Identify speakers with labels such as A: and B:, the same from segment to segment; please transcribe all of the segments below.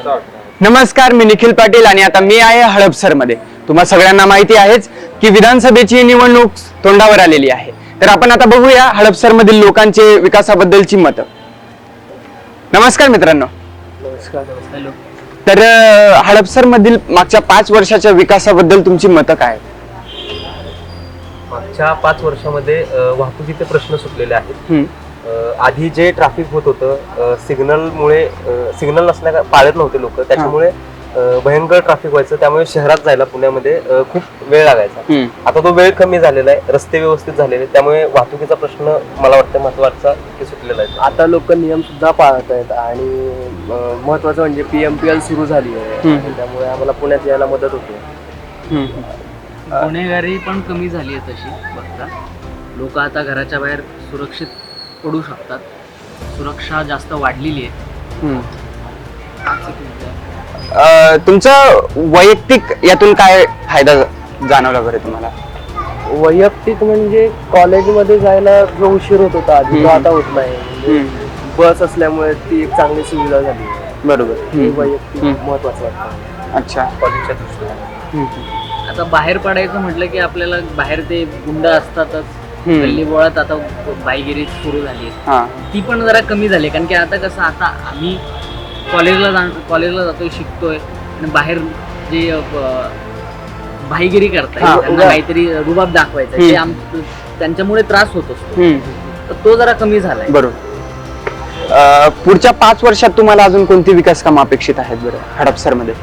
A: नमस्कार, मी निखिल पाटील आणि आता मी आहे हडपसर मध्ये. तुम्हा सगळ्यांना माहिती आहेच की विधानसभेची निवडणूक तोंडावर आलेली आहे. तर आपण आता बघूया हडपसर मधील लोकांचे विकासाबद्दलची मतं. नमस्कार मित्रांनो.
B: नमस्कार.
A: तर हडपसर मधील मागच्या 5 वर्षाच्या विकासाबद्दल तुमची मतं काय?
B: मागच्या 5 वर्षामध्ये वाहतुकीचे प्रश्न सुटलेले आहेत. आधी जे ट्रॅफिक होत होतं, सिग्नल नसल्या पाळत नव्हते लोक, त्याच्यामुळे भयंकर ट्रॅफिक व्हायचं. त्यामुळे शहरात जायला पुण्यामध्ये खूप वेळ लागायचा. आता तो वेळ कमी झालेला आहे, रस्ते व्यवस्थित झालेले, त्यामुळे वाहतुकीचा प्रश्न मला वाटतं महत्वाचा सुटलेला आहे.
C: आता लोक नियम सुद्धा पाळत आहेत आणि महत्वाचं म्हणजे PMPL सुरू झाली आहे, त्यामुळे आम्हाला पुण्यात यायला मदत होते.
D: गुन्हेगारी पण कमी झाली आहे तशी बघता. लोक आता घराच्या बाहेर सुरक्षित पडू शकतात. सुरक्षा जास्त वाढलेली आहे.
A: तुमचा वैयक्तिक यातून काय फायदा जाणवला बरं तुम्हाला?
C: वैयक्तिक म्हणजे कॉलेजमध्ये जायला जो उशीर होत होता आधी, तो आता होत नाही. बस असल्यामुळे ती एक चांगली सुविधा झाली.
A: बरोबर.
C: वैयक्तिक महत्वाचं वाटतं.
A: अच्छा.
B: कॉलेजच्या दृष्टीने
D: आता बाहेर पडायचं म्हटलं की आपल्याला बाहेर ते गुंड असतातच. गल्ली बोळात आता बाईगिरी सुरू झाली आहे. ती पण जरा कमी झाली, कारण की आता कसं, आता आम्ही कॉलेजला जातोय, शिकतोय, आणि बाहेर जे भाईगिरी करताय, त्यांना काहीतरी रुबाब दाखवायचा, ते त्यांच्यामुळे त्रास होत असतो. तर तो जरा कमी झालाय.
A: बरोबर. पुढच्या 5 वर्षात तुम्हाला अजून कोणती विकास कामं अपेक्षित आहेत बरं हडपसर मध्ये?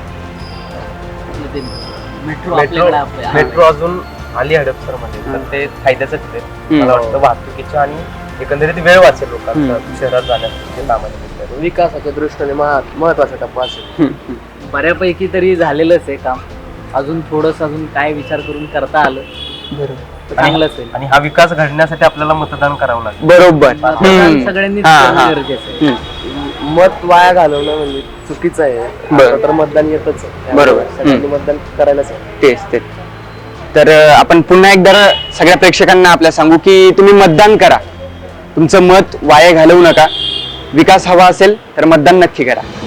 B: मेट्रो अजून आली हडपसर मध्ये, तर ते फायद्याचं ठरेल मला वाटतं. वाहतुकीच्या आणि एकंदरीत वेळ वाचेल लोकांचा शहरात जाण्याचे कामाच्या
C: विकासाच्या दृष्टीने महत्वाचा टप्पा असेल.
D: बऱ्यापैकी तरी झालेलंच आहे काम. अजून काय विचार करून करता आलं चांगलंच आहे.
B: आणि हा विकास घडण्यासाठी आपल्याला मतदान करावं लागेल.
A: बरोबर.
D: सगळ्यांनी गरजेचं आहे.
C: मत वाया घालवणं म्हणजे चुकीचं आहे. तर मतदान येतच आहे.
A: बरोबर.
C: सगळ्यांनी मतदान करायलाच आहे.
A: तेच. तर आपण पुन्हा एकदा सगळ्या प्रेक्षकांना आपल्या सांगू की तुम्ही मतदान करा. तुमचं मत वाया घालवू नका. विकास हवा असेल तर मतदान नक्की करा.